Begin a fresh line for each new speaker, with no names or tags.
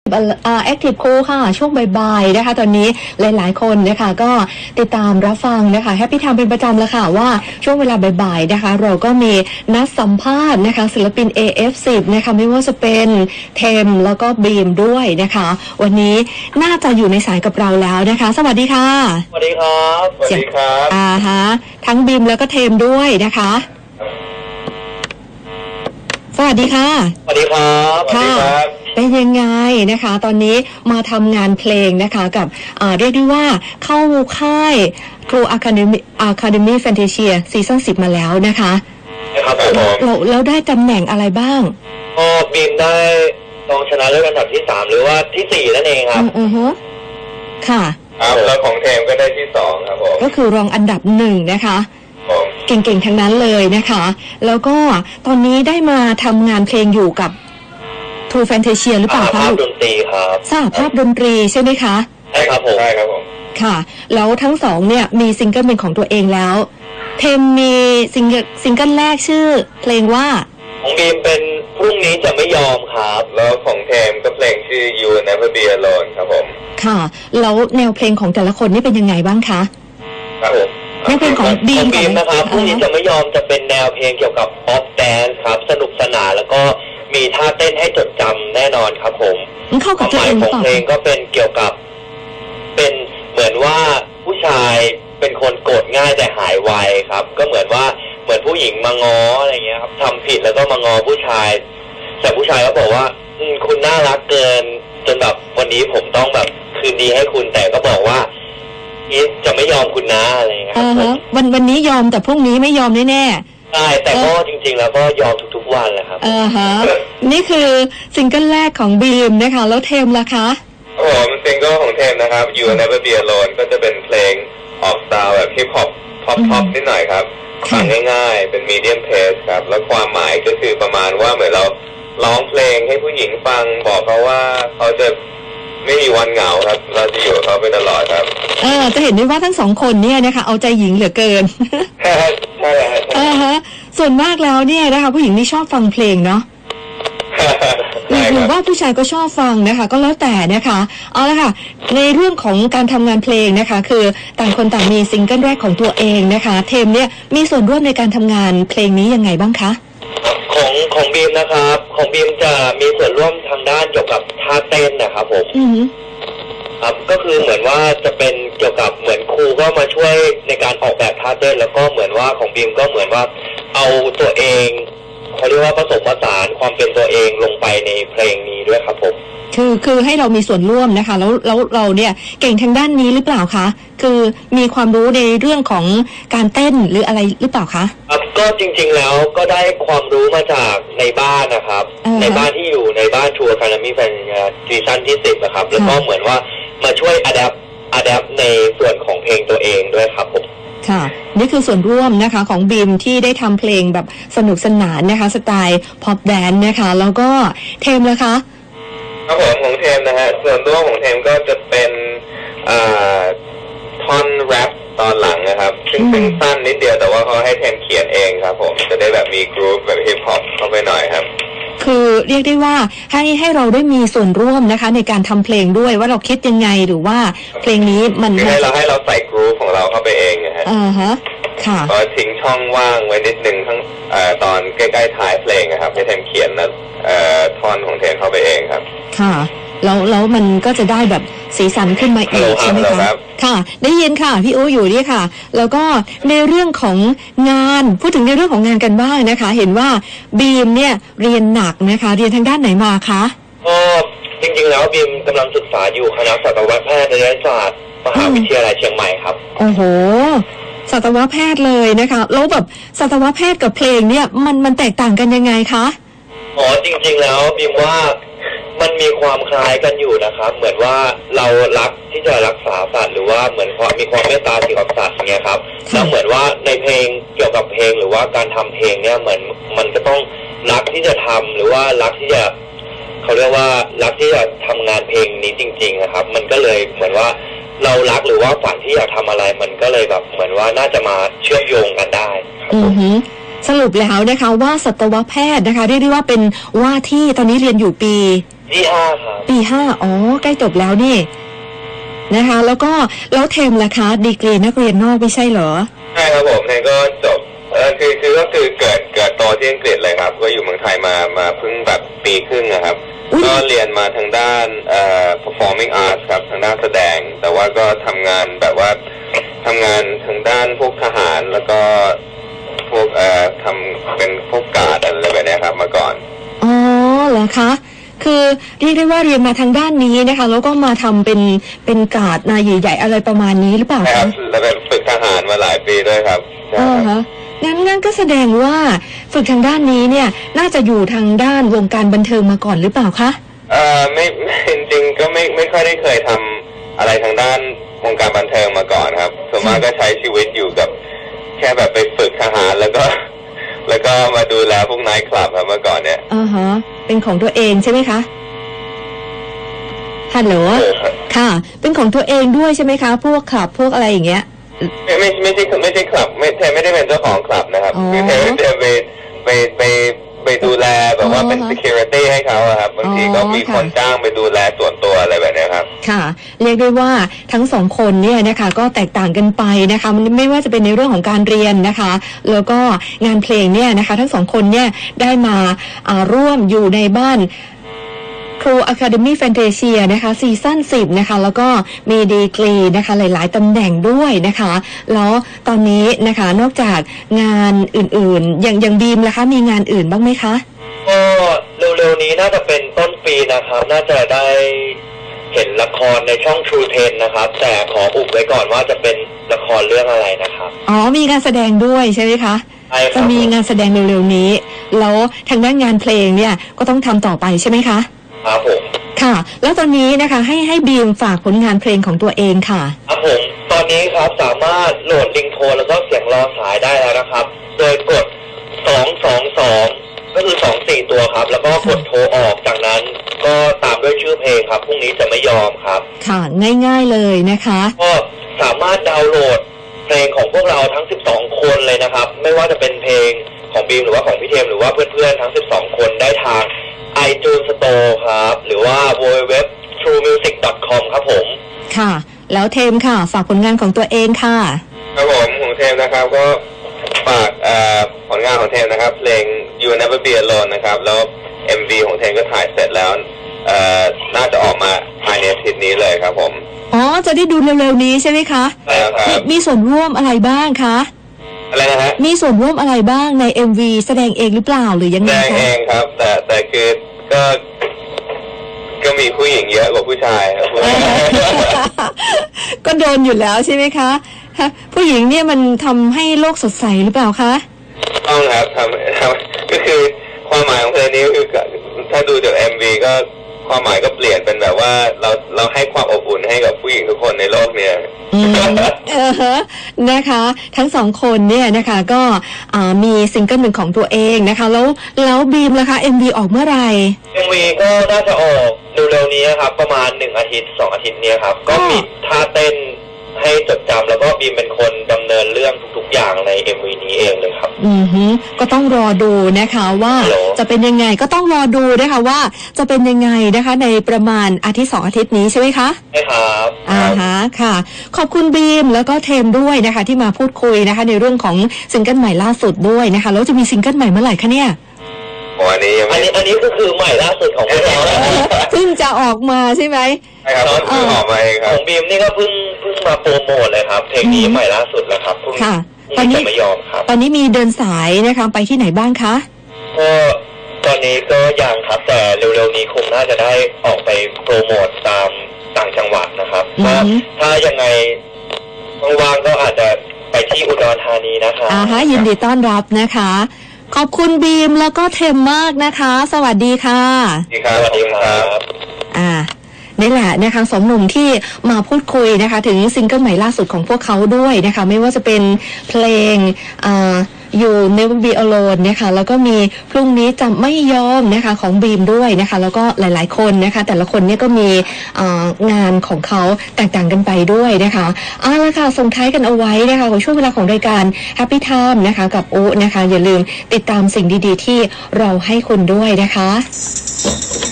Active Cool ค่ะช่วงบ่ายๆนะคะตอนนี้หลายๆคนนะคะก็ติดตามรับฟังนะคะ Happy Time เป็นประจำแล้วค่ะว่าช่วงเวลาบ่ายๆนะคะเราก็มีนัดสัมภาษณ์นะคะศิลปิน AF10 นะคะไม่ว่าจะเป็นเทมแล้วก็บีมด้วยนะคะวันนี้น่าจะอยู่ในสายกับเราแล้วนะคะสวัสดีค่ะ
สวัสดีครับ
สวัสดีครับ
ฮะทั้งบีมแล้วก็เทมด้วยนะคะสวัสดีค่ะ
สวัสดีครับ
ค่ะเป็นยังไงนะคะตอนนี้มาทำงานเพลงนะคะกับเรียกได้ว่าเข้าค่าย True Academy Fantasia ซีซั่น10มาแล้วนะคะ
ครับ
แล้วได้ตำแหน่งอะไรบ้าง
บีมได้รองชนะเลิศอันดับที่3หรือว่าที่4นั่นเองครับ
ค่ะ
แล้วของเทมก็ได้ที่2ครับผม
ก็คือรองอันดับ1นะคะเก่งๆทั้งนั้นเลยนะคะแล้วก็ตอนนี้ได้มาทำงานเพลงอยู่กับ True Fantasia หรือเปล่าคะ
สหภาพดนตรีครับ
สหภาพดนตรีใช่ไหมคะ
ใช่ครับผม
ค่ะแล้วทั้งสองเนี่ยมีซิงเกิลเป็นของตัวเองแล้วเทมมีซิงเกิลแรกชื่อเพลงว่า
ของบีมเป็นพรุ่งนี้จะไม่ยอมครับ
แล้วของเทมก็เพลงชื่อ You Will Never Be Alone ครับผม
ค่ะแล้วแนวเพลงของแต่ละคนนี่เป็นยังไงบ้างคะ
ครับผม
แนวเพลงของบีม
นะครับพรุ่งนี้จะไม่ยอมจะเป็นแนวเพลงเกี่ยวกับป๊อปแดนซ์ครับสนุกสนานแล้วก็มีท่าเต้นให้จดจำแน่นอนครับผม
เข้ากับตัวเองหรือเปล่า
เพลงก็เป็นเกี่ยวกับเป็นเหมือนว่าผู้ชายเป็นคนโกรธง่ายแต่หายไวครับก็เหมือนผู้หญิงมาง้ออะไรเงี้ยครับทำผิดแล้วก็มาง้อผู้ชายแต่ผู้ชายก็บอกว่าคุณน่ารักเกินจนแบบวันนี้ผมต้องแบบคืนดีให้คุณแต่ก็บอกว่าจะไม่ยอมคุณนะอะไรเงี้ยครับ
วันนี้ยอมแต่พรุ่งนี้ไม่ยอมแน่
ใช่แต่ก็จริงๆแล้วก็ยอมทุกๆวันแหละครับ
นี่คือซิงเกิลแรกของบีมนะคะแล้วเทมล่ะคะ
มันซิงเกิลของเทมนะครับ You Will Never Be Alone ก็จะเป็นเพลงออกสไตล์แบบฮิปฮอปพ็อปนิดหน่อยครับฟังง่ายๆเป็นมีเดียมเพสครับแล้วความหมายก็คือประมาณว่าเหมือนเราร้องเพลงให้ผู้หญิงฟังบอกเขาว่าเขาจะไม่มีวันเหงาครับเราจะอยู่กับเขาไปตลอดครับ
จะเห็นได้ว่าทั้งสองคนเนี่ยนะคะเอาใจหญิงเหลือเกิน
ใช่
ฮะส่วนมากแล้วเนี่ยนะคะผู้หญิงนี่ชอบฟังเพลงเนาะหรือว่าผู้ชายก็ชอบฟังนะคะก็แล้วแต่นะคะเอาละค่ะในเรื่องของการทำงานเพลงนะคะคือต่างคนต่างมีซิงเกิลแรกของตัวเองนะคะเทมเนี่ยมีส่วนร่วมในการทำงานเพลงนี้ยังไงบ้างคะ
ของบีมนะครับของบีมจะมีส่วนร่วมทางด้านเกี่ยวกับท่าเต้นนะครับผมครับก็คือเหมือนว่าจะเป็นเกี่ยวกับเหมือนครูก็มาช่วยในการออกแบบท่าเต้นแล้วก็เหมือนว่าของบีมก็เหมือนว่าเอาตัวเองเขาเรียกว่าผสมผสานความเป็นตัวเองลงไปในเพลงนี้ด้วยครับผม
คือให้เรามีส่วนร่วมนะคะแล้วเราเนี่ยเก่งทางด้านนี้หรือเปล่าคะคือมีความรู้ในเรื่องของการเต้นหรืออะไรหรือเปล่าคะ
ครับก็จริงๆแล้วก็ได้ความรู้มาจากในบ้านนะครับในบ้านที่อยู่ในบ้าน True Academy Fantasia ซีซั่นที่10นะครับแล้วก็เหมือนว่ามาช่วยอะแดปในส่วนของเพลงตัวเองด้วยครับผม
ค่ะนี่คือส่วนร่วมนะคะของบีมที่ได้ทำเพลงแบบสนุกสนานนะคะสไตล์พ็อปแดนซ์นะคะแล้วก็เทมล่ะคะ
ครับผมของเทมนะฮะส่วนร่วมของเทมก็จะเป็นท่อนแรปตอนหลังนะครับซึ่งสั้นนิดเดียวแต่ว่าเขาให้เทมเขียนเองครับผมจะได้แบบมีกรุ๊ปแบบฮิปฮอปเข้าไปหน่อยครับ
คือเรียกได้ว่าให้เราได้มีส่วนร่วมนะคะในการทำเพลงด้วยว่าเราคิดยังไงหรือว่าเพลงนี้มัน
ให้เราใส่กรุ๊ปของเราเข้าไปเองนะฮะ
ค่ะ
ก็ทิ้งช่องว่างไว้นิดนึงทั้งตอนใกล้ๆท้ายเพลงนะครับให้เทมเขียนนะท่อนของเทมเข้าไปเองครับ
ค่ะแล้วมันก็จะได้แบบสีสันขึ้นมาอีกใช่ไหมคะค่ะได้ยินค่ะพี่อู๋อยู่นี่ค่ะแล้วก็ในเรื่องของงานพูดถึงในเรื่องของงานกันบ้างนะคะเห็นว่าบีมเนี่ยเรียนหนักนะคะเรียนทางด้านไหนมาคะ
จริงๆแล้วบีมกำลังศึกษาอยู่คณะสัตวแพทย์ศาสตร์มหาวิทยาลัยเชียงใหม่ครับ
โอ้โหสัตวแพทย์เลยนะคะแล้วแบบสัตวแพทย์กับเพลงเนี่ยมันแตกต่างกันยังไงคะ
จริงๆแล้วบีมว่ามันมีความคล้ายกันอยู่นะครับเหมือนว่าเรารักที่จะรักษาสัตว์หรือว่าเหมือนมีความเมตตาต่อสัตว์อย่างเงี้ยครับแล้วเหมือนว่าในเพลงเกี่ยวกับเพลงหรือว่าการทำเพลงเนี่ยเหมือนมันก็ต้องรักที่จะทำหรือว่ารักที่จะเขาเรียกว่ารักที่จะทำงานเพลงนี้จริงๆนะครับมันก็เลยเหมือนว่าเรารักหรือว่าฝันที่อยากทำอะไรมันก็เลยแบบเหมือนว่าน่าจะมาเชื่อมโยงกันได้
สรุปแล้วนะคะว่าสัตวแพทย์นะคะเรียกได้ว่าเป็นว่าที่ตอนนี้เรียนอยู่ปี
ที่5ครับ
ปี 5อ๋อใกล้จบแล้วนี่นะคะแล้วเทมล่ะคะดีกรีนักเรียนนอกไม่ใช่เหรอ
ใช่ครับผมเทมก็จบคือก็คือเกิดโตที่อังกฤษเลยครับก็อยู่เมืองไทยมาเพิ่งแบบปีครึ่งนะครับก็เรียนมาทางด้านperforming arts ครับทางด้านแสดงแต่ว่าก็ทำงานแบบว่าทำงานทางด้านพวกทหารแล้วก็พวกทำเป็นพวกการ์ดอะไรแบบนี้ครับมาก่อน
อ๋อเหรอคะคือเรียกได้ว่าเรียนมาทางด้านนี้นะคะแล้วก็มาทำเป็นการ์ดนายใหญ่ๆอะไรประมาณนี้หรือเปล่าคะ
แล้วเป็นฝึกทหารมาหลายปีด้วยครับ
ฮะงั้นก็แสดงว่าฝึกทางด้านนี้เนี่ยน่าจะอยู่ทางด้านวงการบันเทิงมาก่อนหรือเปล่าคะ
ไม่จริงๆก็ไม่ค่อยได้เคยทำอะไรทางด้านวงการบันเทิงมาก่อนครับส่วนมากก็ใช้ชีวิตอยู่กับแค่แบบไปฝึกทหารแล้วก็มาดูแลพวกไนท์คลับครับเมื่อก่อนเนี่ย
เป็นของตัวเองใช่ไหมคะฮัลโหลค่ะเป็นของตัวเองด้วยใช่ไหมคะพวกคลับพวกอะไรอย่างเงี้ย
ไม่ใช่คลับไม่ได้เป็นเจ้าของคลับนะครับคือเธอจะไปดูแลแบบว่าเป็น security ให้เขาครับบางทีก็มีคนจ้างไปดูแลส่วนตัวอะไรแบบนี้ครับ
ค่ะเรียกได้ว่าทั้งสองคนเนี่ยนะคะก็แตกต่างกันไปนะคะมันไม่ว่าจะเป็นในเรื่องของการเรียนนะคะแล้วก็งานเพลงเนี่ยนะคะทั้งสองคนเนี่ยได้มาร่วมอยู่ในบ้านครู Academy Fantasia นะคะซีซั่น10นะคะแล้วก็มีดีกรีนะคะหลายๆตำแหน่งด้วยนะคะแล้วตอนนี้นะคะนอกจากงานอื่นๆอย่างบีมล่ะคะมีงานอื่นบ้างไหมคะ
ก็เร็วๆนี้น่าจะเป็นต้นปีนะครับน่าจะได้เห็นละครในช่อง True 10นะครับแต่ขออุบไว้ก่อนว่าจะเป็นละครเรื่องอะไรนะครับ
มีการแสดงด้วยใช่ไหมคะจะมีงานแสดงเร็วๆนี้แล้วทางด้านงานเพลงเนี่ยก็ต้องทำต่อไปใช่ไหมคะ
ครับผม
ค่ะแล้วตอนนี้นะคะให้บีมฝากผลงานเพลงของตัวเองค่ะ
ครับผมตอนนี้ครับสามารถโหลดลิงโทนแล้วก็เสียงรอสายได้แล้วนะครับโดยกด222ก็คือ24ตัวครับแล้วก็กดโทรออกจากนั้นก็ตามด้วยชื่อเพลงครับพรุ่งนี้จะไม่ยอมครับ
ค่ะง่ายๆเลยนะคะ
ก็สามารถดาวน์โหลดเพลงของพวกเราทั้ง12คนเลยนะครับไม่ว่าจะเป็นเพลงของบีมหรือว่าของพี่เทมหรือว่าเพื่อนๆทั้ง12คนได้ทางiTunes Store ครับหรือว่า www.truemusic.com ครับผม
ค่ะแล้วเทมค่ะฝากผลงานของตัวเองค่ะ
ครับผมของเทมนะครับก็ฝากผลงานของเทมนะครับเพลง You Never Be Alone นะครับแล้ว MV ของเทมก็ถ่ายเสร็จแล้วน่าจะออกมาภายในอาทิตย์นี้เลยครับผม
จะได้ดูเร็วๆนี้ใช่ไหมคะ
ใช่ครับ
มีส่วนร่วมอะไรบ้างคะ
อะไรนะฮะ
มีส่วนร่วมอะไรบ้างใน MV แสดงเองหรือเปล่าหรือยังไงคะ
แสดงเองครับแต่คือก็มีผู้หญิงเยอะกว่าผู้ชายครับ
ก็โดนอยู่แล้วใช่ไหมคะผู้หญิงเนี่ยมันทำให้โลกสดใสหรือเปล่าคะ
ต้องครับทำก็คือความหมายของเพลงนี้คือถ้าดูจาก MV ก็ความหมายก็เปลี่ยนเป็นแบบว่าเราให้ความอบอุ่นให้กับผู้หญิงทุกคนในโลกเนี่ย
นะคะทั้งสองคนเนี่ยนะคะก็มีซิงเกิลหนึ่งของตัวเองนะคะแล้วบีมล่ะคะ MV ออกเมื่อไหร่
MV ก็น่าจะออกเร็วๆนี้ครับประมาณ1อาทิตย์2อาทิตย์นี้ครับก็มีท่าเต้นให้จดจำแล้วก็บีมเป็นคนดำเนินเรื่องทุกๆอย่างใน MV นี้เองเลยครับ
ก็ต้องรอดูนะคะว่าจะเป็นยังไงก็ต้องรอดูนะคะว่าจะเป็นยังไงนะคะในประมาณอาทิตย์2อาทิตย์นี้ใช่ไหมคะ
ใช่ครับ
ค่ะขอบคุณบีมแล้วก็เทมด้วยนะคะที่มาพูดคุยนะคะในเรื่องของซิงเกิลใหม่ล่าสุดด้วยนะคะแล้วจะมีซิงเกิลใหม่เมื่อไหร่คะเนี่ย
อัน
นี้ก็คือใหม่ล่าสุดของพวกเรา
เพิ่งจะออกมาใช่ไหม
ใช่ครับเพิ่งออกมาเองครับ
ของบีมนี่ก็เพิ่งมาโปรโมทเลยครับเพลงนี้ใหม่ล่าสุดแล้วครับ
ค่ะตอนนี้
ไม่ยอมครับ
ตอนนี้มีเดินสายนะคะไปที่ไหนบ้างคะ
ก็ตอนนี้ก็ยังครับแต่เร็วๆนี้คงน่าจะได้ออกไปโปรโมทตามต่างจังหวัดนะครับก็ถ้ายังไงว่างๆก็อาจจะไปที่อุดรธานีนะคะ
ยินดีต้อนรับนะคะขอบคุณบีมแล้วก็เทมมากนะคะสวัสดีค่ะ
สวัสดีครับ
นี่แหละนะคะสองหนุ่มที่มาพูดคุยนะคะถึงซิงเกิลใหม่ล่าสุดของพวกเขาด้วยนะคะไม่ว่าจะเป็นเพลงYou Never Be Alone นะคะแล้วก็มีพรุ่งนี้จะไม่ยอมนะคะของบีมด้วยนะคะแล้วก็หลายๆคนนะคะแต่ละคนเนี่ยก็มีงานของเขาแตกต่างกันไปด้วยนะคะละค่ะส่งท้ายกันเอาไว้นะคะกับช่วงเวลาของรายการ Happy Time นะคะกับอุ๊นะคะอย่าลืมติดตามสิ่งดีๆที่เราให้คุณด้วยนะคะ